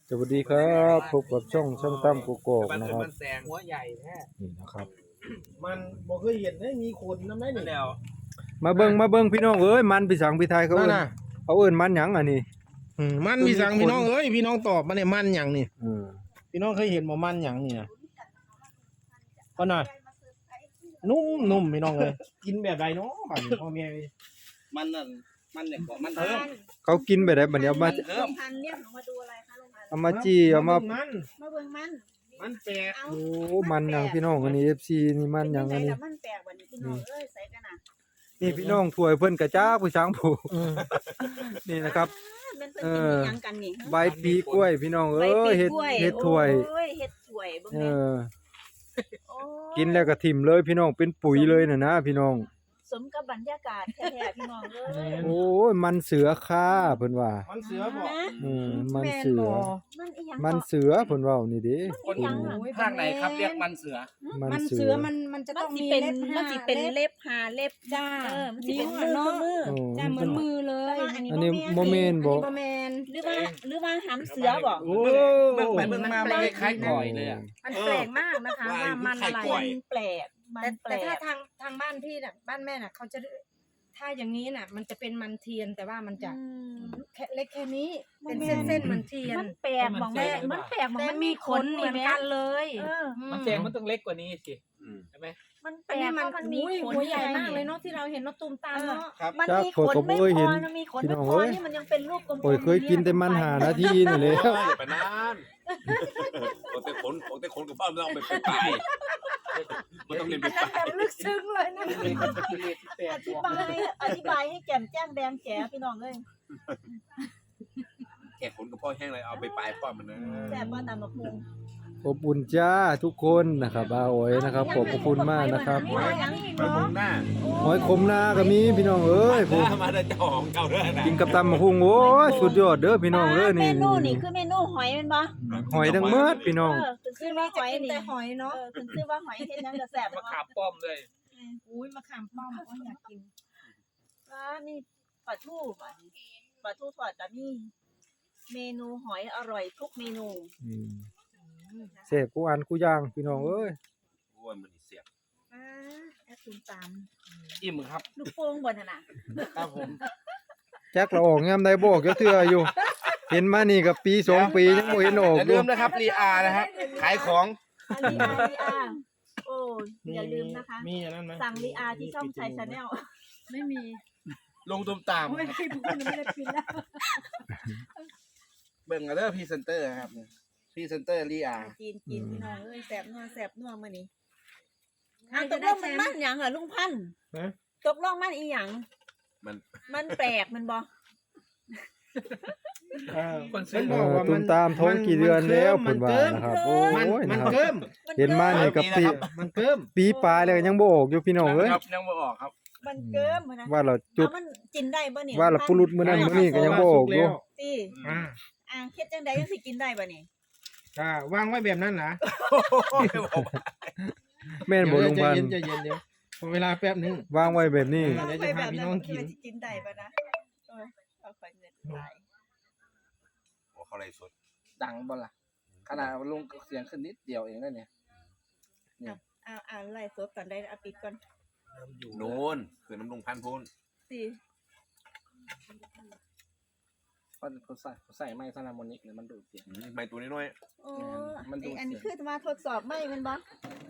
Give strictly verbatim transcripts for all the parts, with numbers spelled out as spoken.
สวัสดีครับพบกับช่องช่างตั้มกุกกอกนะครับมันแซงหัวใหญ่แท้นี่นะครับมันบ่เคยเห็นได้มีคนนำได้นี่แล้วมาเบิ่งมาเบิ่งพี่น้องเอ้ยมันพี่สังพี่ไทยเขานั่เอิ้นนน่ะเขาเอิ้นมันหยังอันนี้อืมมันมีสังพี่น้องเอ้ยพี่น้องตอบมาเนี่ยมันหยังนี่อืมพี่น้องเคยเห็นบ่มันหยังนี่นะก็น่ะนุ่มนุ่มพี่น้องเอ้ยกินแบบใดเนาะบัดนี้พ่อแม่เอ้ยมันนั่นมันเนี่ยกว่ามันเพิ่มเขากินไปได้บัดนี้เอามาเพิ่มพันเรียกหนูมาดูอะไรคะลุงพันเอามาจี้เอามามันมาเบิ่งมันมันแปลกเอาโอ้มันหยังพี่น้องอันนี้ เอฟ ซี นี่มันหยังอันนี้เป็จังไดล่ะมันแปลกวันนี้พี่น้องเอ้ยใส่กันน่ะนี่พี่น้องถ้วยเพิ่นกระจ้าพี่สังผู้อืมนี่นะครับมันเป็นเป็นอีหยังกันนี่ใบปีกล้วยพี่น้องใบเอ้ยปีเฮ็ดกล้วยเฮ็ดถ้วยโอ้ยเฮ็ดถ้วยเบิ่งเอแม่อโอ้ยกินแล้วก็ถิ่มเลยพี่น้องเป็นปุ๋ยเลยน่ะนะพี่น้องสมกับบรรยากาศแท้ๆพี่น้องเอ้ยโอ้ยมันเสือค่าเพิ่นว่ามันเสือบ่นะอืมมันเสือมันอีหยังมันเนาะเสือเพิ่นเว้านี่เด้มันอีหยังอะภาคไหนครับเรียกมันเสือมันมันเสืเสืออมันมันจะมัต้นองสิมีเป็นเล็บมันสิเป็นเล็บหาเล็บจ้าเออมันสิเป็นนิ้วมืออะเนาะมือโอ้จ้าเหมือนมือเลยอันนี้อันนี้โมเมนต์บ่อันนี้บ่แมนหรือว่าหรือว่าหำเสือบ่โอ้เบิ่งไปเบิ่งมามันคล้ายๆก่อยเลยอ่ะมันแปลกมากนะคะว่าว่ามันอะไรไข่ก่อยมันแปลกมัแต่นแปลแต่ถ้าก ทางทางบ้านพี่น่ะบ้านแม่น่ะเขาจะถ้าอย่างนี้น่ะ มันจะเป็นมันเทียนแต่ว่ามันจะอืมแค่เล็กแค่นี้ เป็นบ่แม่เส้นนเส้นๆมันเทียนมันแปลกมองแม่มันแปลกมองแต่มันมีมีขขนนเหนี่มือนแม่กันเลยเออมันแซงมันต้องเล็กกว่านี้สิใช่ไหมมันแปอัลนกนี้เพมันราะมันมีอุ้ยขนหัวใหญ่ไงมากเลยเนาะที่เราเห็นเนาะตูมตามเนาะมันจักมีข่อยขนก็บ่ไม่เคยพเห็อน มันมีขนพี่ไม่น้องพอเอ้ยนี่มันยังเป็นรูปกลมๆโอ้ยเคยกินแต่มันหานาทีนี่แหละอย่าไปนานโอ้แต่ขนโอ้แต่ขนกับบ้านเราเอาไปไปมันต้องเรียนไปอันนั้นแบบลึกซึ้งเลยนะอธิบายอธิบายให้แจ่มแจ้งแดงแจ๋พี่น้องเลยแค่ขนกับพ่อแห้งเลยเอาไปปลายพ่อมันนะแซ่บว่าตามมะพุงอบอุ่นจ้าทุกคนนะครับอาโอยนะครับขอบพระคุณมากนะครับมีอะไรอย่างนี้อีกไปมอเนาะงหน้าหอยขมนาก็มีพี่น้องเอ้ยผมมาได้เจ้าของเก่าด้วยนะกินกับตำมะฮุงโอ้ยสุดยอดเด้อพี่น้องเด้อเมนี่นูนี่คือเมนูหอยเป็นปะหอยทั้งเมิดพี่น้องเออคือคืชื่ออเราว่าหจะอยกินนี่แต่หอยเอเนาะอคือชื่อว่าหอยเฮ็ดหยังจะแซ่บมะเนาะขามป้อมเลยอุ้ยมะขามป้อมโอ้ยอยากกินอ่านี่ปลาทูปะปลาทูทอดก็มีเมนูหอยอร่อยทุกเมนูอืมเสพกูอันกูย่างพี่น้องเอ้ยโอ้ยมันเสียบอ่าแอปตูมตามอิ่มครับลูกโป่งบนน่ะนะครับผมจักเราออกยามใดบอกจักเทื่ออยู่ เห็นมานี่กับปีสองปียังบ่เห็นออกอย่าอลืยู่มนะครับรีอานะครับขายของอาลีอาลีอาโอ้ยอย่าลืมนะคะมีอันนั้นไหมสั่งลีอาที่ช่องชัยชาแนลไม่มีลงตุมตามโอ้ยพี่พูดไม่ได้กินแล้วเบิ่งกันเด้อพรีเซนเตอร์ครับพรีเซนเตอร์รีอากินกินพี่น้องเอ้ยแสบนัวแสบนัวมื้อนี้ใครอ้าวตจะกลได้งแชมันมมันป์หยังเหรอลุงพันธุ์ฮะตกลงมันอีหยังมันมันแปลกมันบ่เออคนซื้เพิ่อนบอกว่าตุมันตามท้องกี่เดือนแล้วเพิ่นว่ามันะครับโอ้มันยมันะนครับเกิมเห็นมานี่กับปีมันเกิมปีปลายแล้วก็ยังบ่ออกอยู่พี่น้องเอ้ยครับยังไม่ออกครับมันเกิมมันนะว่าเราจุดเอามันกินได้บ่นี่ว่าเราปุรุษมื้อนั้นมื้อนี้ก็ยังบ่ออกอยู่สิอ่าอ่าเฮ็ดจังไดจังสิกินได้บ่นี่อ่าวางไว้แบบนั้นนะแม่นบ่ลุงพันใจธุ์เย็นใจเย็นเดี๋ยวพอเวลาแป๊บนึงวางไว้แบบนี้เดี๋ยวจะพาพี่น้องกินมัสิกินได้บ่นะเออเอาไปเงินหลายโอ้เขาไรสดดังบ่ล่ะขนาดลงเสียงขึ้นนิดเดียวเองนะเนี่ยเอาเอาไล่สดก่อนได้เอาปิดก่อนโน่นคือน้ำลงพันพูนสิเพราะเขาใส่เขาใส่ไม้ซาลามอนิกเนี่ยมันดูดเสียงไม่ตัวน้อยโอ้มันดูดอันนี้เสียงคือมาทดสอบไหมแมันบ่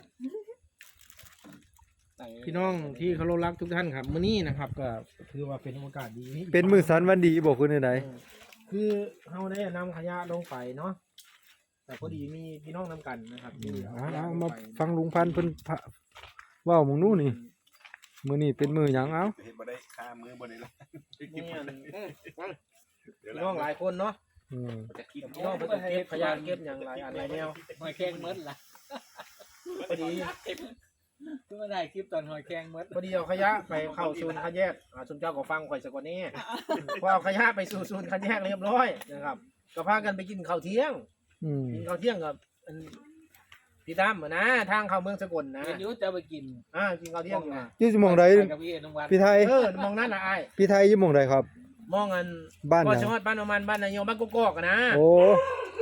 พี่น้องที่เคารพรักทุกท่านครับมื้อนี้นะครับก็ถือว่าเป็นโอกาสดีเป็นมื้อสันวันดีบ่คือไดคือเฮาได้นำขยะลงไปเนาะแต่พอดีมีพี่น้องนำกันนะครับที่ๆเอาเอาขยะเอาลงมาไปฟังลุงพันธุ์เพิ่นพะเว้าหมองนู้นนี่มื้อนี้เป็นมื้อหยังเอ้าเห็นบ่ได้ค่ามือบ่ได้ละนี่อันเดี๋ยวพี่น้องหลายคนเนาะอืมจะกินพี่น้องเพิ่นก็เก็บขยะเก็บอย่างหลายอันหลายแนวหอยแครงมดล่ะพอดีเพิ่งมาได้คลิปตอนหอยแครงมดพอดีเอาขยะไปเข้าศูนย์คัดแยกอ่าศูนย์เจ้าก็ฟังข่อยสักกว่านี้พอเอาขยะไปสู่ศูนย์คัดแยกเรียบร้อยนะครับก็พากันไปกินข้าวเที่ยงอืมกินข้าวเที่ยงกับอันพี่ตั้มอะนะทางเข้าเมืองสกลนะเห็นอยุจะไปกินอ่ากินข้าวเที่ยงอยู่นะอยู่หม่องใดไปกับพี่เอ็นวัดพี่ไทยเออมองนั่นนะไอ้ายพี่ไทยอยู่หม่องใดครับมองอันบ้านหก็ยังชอดบ้านโอมันบ้านนายโยบ้านกกอกอะนะโอ้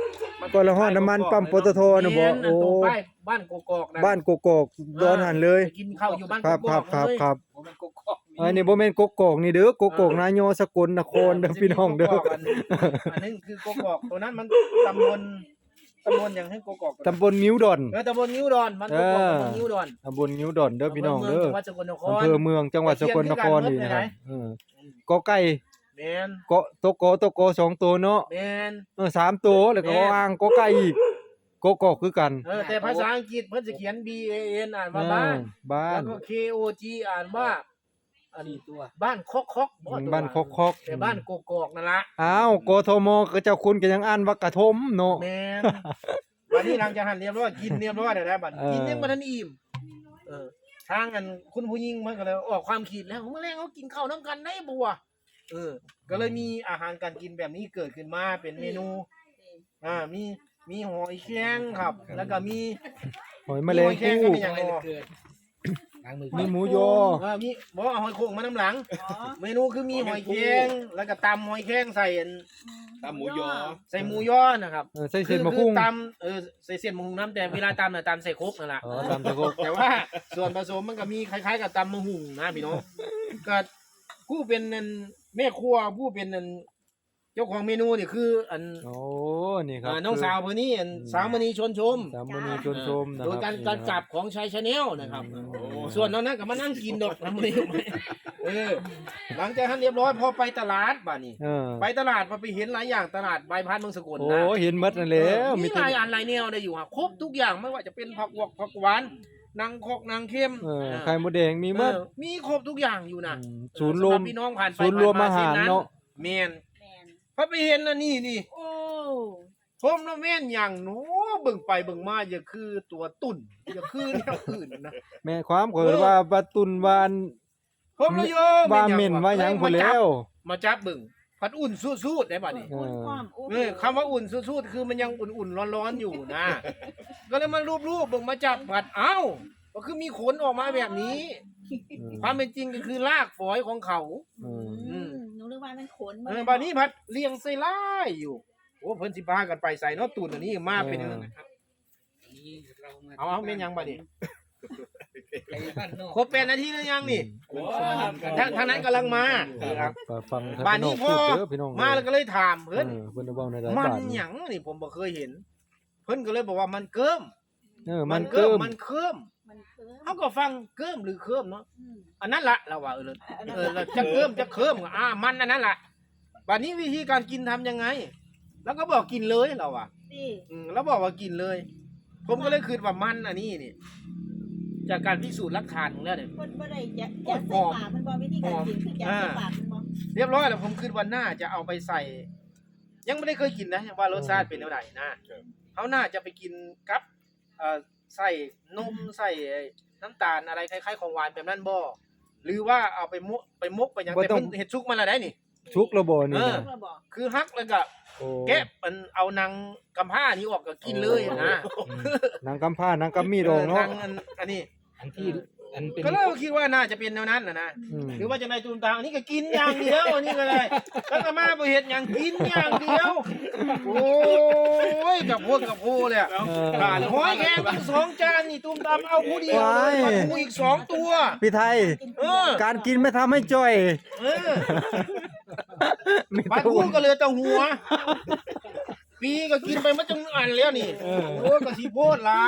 ก็ละฮอดน้ำมันปั๊มปตทน่ะบ่แม่นโอ้ตรงป้ายบ้านกกอกนะบ้านกกอกดอนหันเลยไปกินข้าวอยู่บ้านครับกคกรัอบ กครับเลยครับผมเป็นกกอกมีอันนี้บ่แม่นกกอกนี่เด้อกกอกนายอสกลนครเด้อพี่น้องเด้อกกกอันอันนึงคือกกอกตัวนั้นมันตำบลตำบลอย่างให้กกอกตำบลงิ้วดอนเออตำบลนิ้วดอนมันกกอกตำบลนิ้วดอนตำบลงิ้วดอนเด้อพี่น้องเด้อจังหวัดสกลนครอำเภอเมืองจังหวัดสกลนครนี่นะครับเออกอไก่แม่นเกาะตกอตกอสองตัวเนาะแม่นเออสามตัวแล้วก็อ่างกอไก่อีกกกอกคือกันเออแต่ภาษาอังกฤษเพิ่นจะเขียน B A N อ่านว่าบ้านเออบ้าแล้นวก็ K O G อ่านว่าอันสี่ตัวบ้านคอกคอกบ่ตัวบ้านคอกคอกแต่บ้านกกอกนั่นล่ะอ้าวกทมก็เจ้าคุณก็ยังอ่านว่ากระทมเนาะแม่นวันนี้หลังจากหันเรียบร้อยกินเรียบร้อยแล้วนะบัดเออกินยังบ่ทันอิ่มเออทางอันคุณผู้หญิงมันก็เลยออกความคิดแล้วเมื่อแรงเขากินข้าวนํกันได้บ่วะเออ ก็เลยมีอาหารการกินแบบนี้เกิดขึ้นมาเป็นเมนูอ่ามีมีหอยแครงครับ แล้วก็มีหอยแมลงหอยแครงภู่ก็มีอย่างไม่พได้อเกิดล้างมือมีหมูยอเออมีบ่เอาหอยโข่งมาน้ำหลังอ๋อเมนูคือมีหอยแครงแล้วก็ตำหอยแครงใส่อันตำหมูยอใส่หมูยอนะครับเออใส่เส้นมะพุ่งคือตำเออใส่เส้นมะฮุงน้ำแต่เวลาตำน่ะตำใส่ครกนั่นแหละอ๋อตำตะโกแต่ว่าส่วนผสมมันก็มีคล้ายๆกับตำมะฮุงนะพี่น้องก็ผู้เป็นอันแม่ครัวผู้เป็นอันเจ้าของเมนูนี่คืออันโอ้นี่ครับอ่าน้องสาวคนนี้อันสาวมณีชวนชมสามมณีชวนชมนะโดคยรับการนี่การนะจับของชายชาแนลนะครับอืมโอ้ส่วนน้องนั้นก็มานั่งกินดอกทำไม่เออหลังจากนั้นเรียบร้อยพอไปตลาดบ้านี่เออไปตลาดมาไปเห็นหลายอย่างตลาดใบพัดเมืองสกลโอ้นะเห็นหมดนั่นแล้วมีมีหแต่ลายอันหลายแนวได้อยู่ครับครบทุกอย่างไม่ว่าจะเป็นผักหวกผักหวานนางคอกนางเข้มเออเออไข่มดแดงมีหมดเออมีครบทุกอย่างอยู่นะอืมศูนย์รวมสำหบพี่น้องผ่านไปศูนย์รวมผ่อาหารส้เนาะแมนแมนพอไปเห็นอันนี้นี่โอ้ผมแล้วแม่นอย่างหนูเบิ่งไปเบิ่งมาอย่าคือตัวตุ่นอย่าคือแนวอื่นนะแม่ความเกิดว่าบาตุนวานผมแล้วโยว่าเหม็นว่าหยังพุ่นแล้วมาจับเบิ่งพัดอุ่นสู้ๆได้บัดนี้อุ่นความอุ่นเออคำว่าอุ่นสู้ๆคือมันยังอุ่นๆร้อนๆอยู่นะ ก็เลยมารูปๆเบิ่งมาจับผัดเอ้าก็คือมีขนออกมาแบบนี้ ความเป็นจริงก็คือรากฝอยของเขาอืมอืมหนูนึกว่ามันขนเออบัดนี้ผัดเลี้ยงใส่ลายอยู่โอ้เพิ่นสิพากันไปใส่เนาะตุ่นอันนี้มาเป็นอย่างนั้นนะครับนี่เรามาเอาเอาแม่นยังบัดนี้ไปบ้านนอกครบแปดนาทีหรือยังนี่โอ้ทางทางนั้นกำลังมาครับก็ฟังทางบ้านนี้พี่พอเด้อพี่น้องมาแล้วก็เลยถามเอเพิ่นอเพิ่นจะเว้าในหลายมันบาทหยังนี่ผมบ่เคยเห็น เพิ่นก็เลยบอกว่ามันเกิมเออมันเกิมมันเคิมมันเคิมเขาก็ฟังเกิมหรือเคิมเนาะอืมอันนั้นละเราว่าเอออันนั้นเออล่ะเราจะเคิมจะเคิมอ่ามันอันนั้นละบัดนี้วิธีการกินทำยังไง แล้วก็บอกกินเลยเราอ่ะสิอืมแล้วบอกว่ากินเลย ผมก็เลยคิดว่ามันอันนี้นี่จากการพิสูจน์หลักฐานของแล้วเนี่ยเพิ่นบ่ได้ยัดยัดใส่ปากมันบ่วิธีการกินคือยัดใส่ปากมันบ่เรียบร้อยแล้วผมคิดว่าน่าจะเอาไปใส่ ยังไม่ได้เคยกินนะว่ารสชาติเป็นเท่าไหร่นะเขาน่าจะไปกินกับเอ่อใส่นมใส่น้ำตาลอะไรคล้ายๆของหวานแบบนั้นบ่หรือว่าเอาไปมุไปมกไปหยังบ่แต่ต้องเพิ่นเฮ็ดซุกมาแล้วได้นี่ชุกระบ่นี่เออนะเพิ่นบอกคือฮักแล้วก็โอ้แกะมันเอานางกำผ้านี้ออกก็กินเลยนะอืมนางกำผ้านางกำมีดองเนาะนางอันอันนี้อันที่อันเป็นก็เลยคิดว่าน่าจะเป็นแนวนั้นนะนะอืมหรือว่าจะในตูมตามอันนี้ก็กินอย่างเดียวอันนี้ก็เลยแล้วก็มาบ่เฮ็ดหยังกินอย่างเดียว โอ้ยกับพวกกับพูเลยอะเอออ่าหอยแครงตั้งสองจานนี่ตูมตามเอาผู้เดียวว้ายปลาทูอีกสองตัวพี่ไทยเออการกินไม่ทำให้จ้อยเออมีปลาแต่ทูอ้วนก็เหลือแต่หัว ปีก็กินไปมาจังอันแล้วนี่เออโอ้ยก็สิโพดหลาย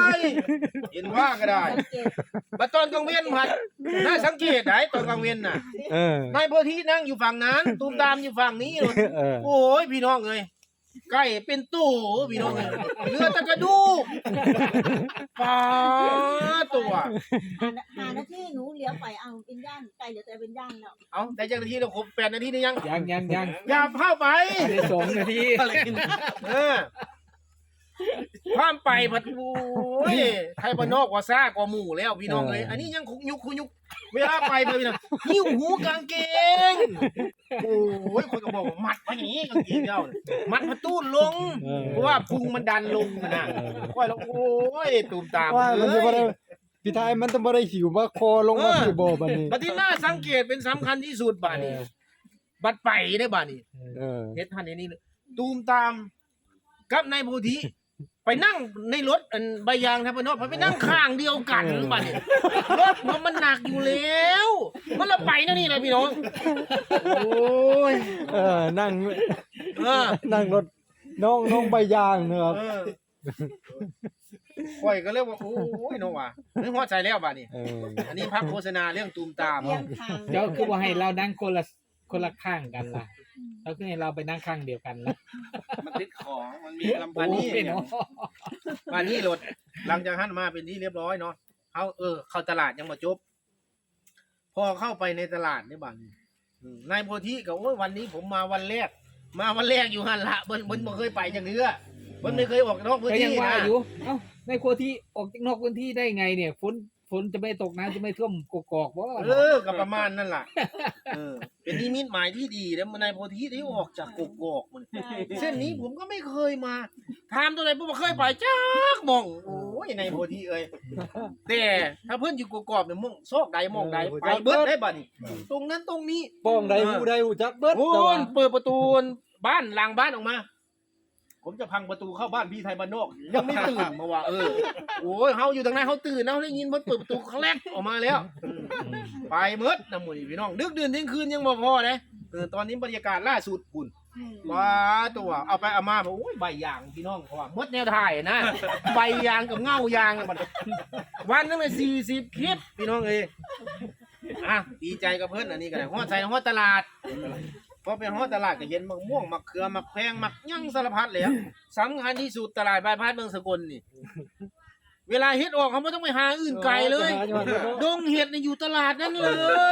เห็นว่าก็ได้สังเกตบัดตอนกลางเว้นผัดน่าสังเกตได้ตอนกลางเว้นน่ะเออนายโพธินั่งอยู่ฝั่งนั้น ตูมตามอยู่ฝั่งนี้เลยเออโอ้ยพี่น้องเอ้ยไก่เป็นตู้พี่น้องเอ้ยเหลือแต่กระดูกปลาตัวหาหาหน้าที่หนูเหลียวไปเอาเป็นย่างไก่เหลือแต่เป็นย่างแล้วเอาแต่จังนาทีเราครบแปดนาทีหรือยังยังยังยังอย่าเข้าไปได้สองนาทีเออความไปผัดโอ้ยไทยบ้านนอกกว่าซ่ากว่าหมู่แล้วพี่น้องเอ้ยอันนี้ยังคุกยุกคุกยุกเวลาไปไปพี่น้องหิ้วหูกางเกงโอ้ยคนก็บอกว่ามัดไว้อย่างนี้กางเกงเจ้าน่ะมัดมาตู้นลงเออเพราะว่าพุงมันดันลงนะค่อยแล้วโอ้ยตูมตามว่ามันจะบ่เลได้ยพี่ไทยมันต้องบ่ได้หิวมาคอลงมาเออที่บ่บัดนี้บัดที่น่าสังเกตเป็นสำคัญที่สุดบาดนี้ บัดไปได้บาดนี้เออเฮ็ดทันในนี้เลยตูมตามกับนายโพธิไปนั่งในรถอันใบยางทัพนอกไปนั่งข้างเดียวกันบัดนี้รถมันมันหนักอยู่แล้วมันละไปนะนี่เลยพี่น้องโอ้ยเออนั่งเออนั่งรถน้องน้องใบยางนะครับเออข่อยก็เรียกว่าโอ้ยน้องว่ะนึกฮอดใจแล้วบัดนี้เอออันนี้พักโฆษณาเรื่องตูมตามเลี้ยงทางเดี๋ยวคือว่าให้เรานั่งคนละคนละข้างกันล่ะแล้วคือให้เราไปนั่งข้างเดียวกันล่ะมันติดของมันมีลำบาพันนี้โอ้ยเนาะบานี้รถหลังจากหันมาเป็นที่เรียบร้อยเนาะเขาเออเข้าตลาดยังมาจบ พอเข้าไปในตลาดเนี่ยบ้านนี้อืมนายโพธิก็โอ้ยวันนี้ผมมาวันแรก มาวันแรกอยู่หันละเบิ้นเบิ้นบ่เคยไปจังเนื้อเบิ้นไม่เคยออกนอกพื้นก็ยัที่งว่านะอยู่เอ้าในครัวที่ออกจากนอกพื้นที่ได้ไงเนี่ยฝนฝนจะไม่ตกน้ำจะไม่ท่วมกกอกบ่เออก็ประมาณนั่นล่ะเออเป็นนิมิตหมายที่ดีแล้วนายโพธิได้ออกจากกกอกมันใช่เส้นนี้ผมก็ไม่เคยมาถามตัวไหนผมบ่เคยไปจักหมองโอ้ยนายโพธิเอ้ยแต่ถ้าเพิ่นอยู่กกอกเนี่ยหมองซอกใดหมองใดไปเบิดได้บัดนี้ตรงนั้นตรงนี้ป้องใดหูใดหูจักเบิดโอ้แต่ว่ายเปิดประตูบ้านหลังบ้านออกมา ผมจะพังประตูเข้าบ้านพี่ไทยบ้านนอกยังไม่ตื่นมาว่าเออโอ้ยเฮาอยู่ทางไหนเฮาตื่นนะเฮาได้ยินมันเปิดประตูครั้งแรกออกมาแล้วอืมไปเมดนะหมู่นี่พี่น้องดึกดื่นเที่ยงคืนยังบ่พอเลยเออตอนนี้บรรยากาศล่าสุดปุ่นอืมว้าตัวเอาไปเอามาบอกโอ้ยใบยางพี่น้องเพราะว่าหมดแนวถ่ายนะ ใบยางกับเงายางอะมันวันนึงเลยสี่สิบคลิปพี่น้องเอ้ยอ่ะดีใจกับเพื่อนอันนี้กันฮอดใส่ฮอดตลาดพอไปฮอดตลาดก็เห็นมะม่วงมะเขือมะแพงมะยั่งสารพัดเลยอะสำคัญที่สุดตลาดบายพาสเมืองสกลนี่ เวลาเฮ็ดออกเขาไม่ต้องไปหาอื่นไกลเลย ดงเห็ดนี่อยู่ตลาดนั้นเลย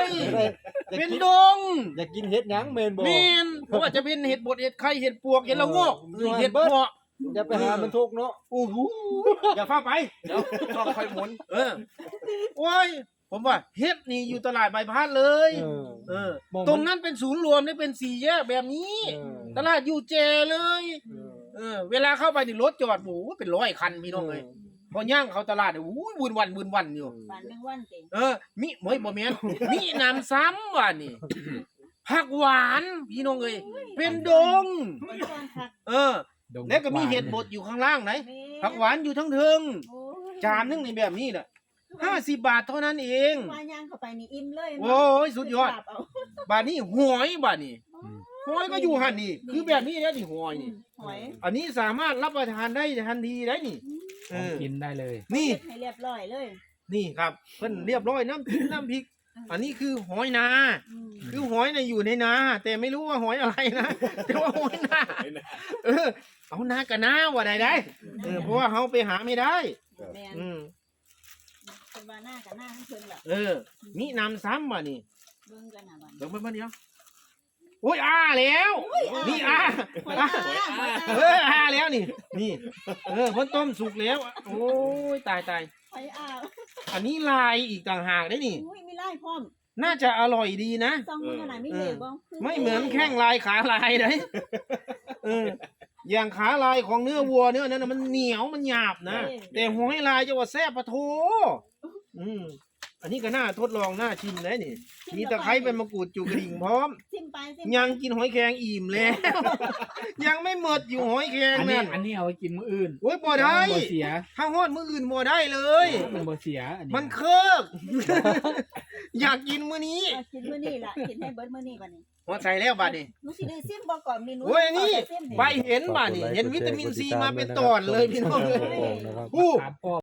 เป็นดงอยากกินเฮ็ดหยังเมนบ่เมนเพราะว่าจะเป็นเห็ดบดเห็ดไข่เห็ดปวกเห็ดละโงกเห็ดเพาะอย่าไปหามันทุกเนาะโอ้โหอย่าฟ้าไปเดี๋ยวช่องค่อยหมุนเออโอ้ยผมว่าเฮ็ดนี่อยู่ตลาดบายพาสเลยเออเออมองมันตรงนั้นเป็นศูนย์รวมนี่เป็นสี่แยกแบบนี้เออตลาดอยู่เจเลยเออเออ เวลาเข้าไปนี่รถจอดโอ้โหเป็นร้อยคันพี่น้องเลยพอย่างเข้าตลาดเนี่ยโอ้ยวุ่นวันวุ่นวันอยู่บ้านแมงวันเต็งเออ มิเฮ้ยบ่แม่นมีน้ำซ้ำว่ะนี่ ผักหวานพี่น้องเอ้ยเป็นดงคนชวนคักเออ แล้วก็มีเห็ดบดอยู่ข้างล่างไหนแม่ผักหวานอยู่ทั้งเทิงโอ้ยจานนึงในแบบนี้น่ะห้าสิบบาทเท่านั้นเองว่าย่างเข้าไปนี่อิ่มเลยโอ้ยสุดยอดไปปราบเอาบาทนี้หอยบาทนี้หอยก็อยู่หันนี่ คือแบบนี้แล้วนี่หอยนี่หอยอันนี้สามารถรับประทานได้ทันทีได้นี่ เออกินได้เลยนี่เฮ็ดให้เรียบร้อยเลยนี่ครับเพิ่นเรียบร้อยน้ำพริกน้ำพริก อันนี้คือหอยนาอืมคือหอยในยอยู่ในนา แต่ไม่รู้ว่าหอยอะไรนะ แต่ว่าหอยนาเออ เอานากับนาว่าได้ได้เออเพราะว่าเขาไปหาไม่ได้แม่นอืมเป็นว่าหน้ากับหน้าทั้งเพิ่นล่ะเออนี่นำซ้ำว่ะนี่เบิ่งกันน่ะบัดเดี๋ยวเพิ่นเดียวโอ้ยอ้าแล้ว นี่อ้าหอยอ้าอ้าหอยเออ้าออ้าแล้วนี่ นี่ เออเพิ่นต้มสุกแล้ว โอ้ยตายตายหอยอ้าอันนี้ลายอีกต่างหากได้นี่อุ้ยมีไล่พร้อมน่าจะอร่อยดีนะซองมือขนาดไม่เหลวบ่คืไม่เหมือนแข้งลายขาลายเลยเออ อย่างขาลายของเนื้อวัวเนื้อนั้นน่ะมันเหนียวมันหยาบนะ แต่หอยลายจะว่าแซ่บปะโถอืมอันนี้ก็น่าทดลองน่าชิมเลยนี่ มีตะไคร้เป็นมะกรูดจุกกระดิ่งพร้อมซิมไปซิมยังกินหอยแครงอิ่มแล้ว ยังไม่หมดอยู่หอยแครงอันนี้นั่นอันนี้เอาไว้กินมื้ออื่นโอ้ยบ่ได้บ่เสียถ้าฮอดมื้ออื่นบ่ได้เลยมันบ่เสียอันนี้มันเคิก อยากกินมื้อนี้เอากินมื้อนี้ล่ะกินให้เบิดมื้อนี้บัดนี้หัวใจแล้วบัดนี้หนูสิได้ซิมบ่ก่อนมีหนูโอ้ยนี่เอาแต่ซิมไปเห็นบัดนี้เห็นวิตามินซีมาเป็นตอนเลยพี่น้องเลยนะครับอู้ถามพ่อ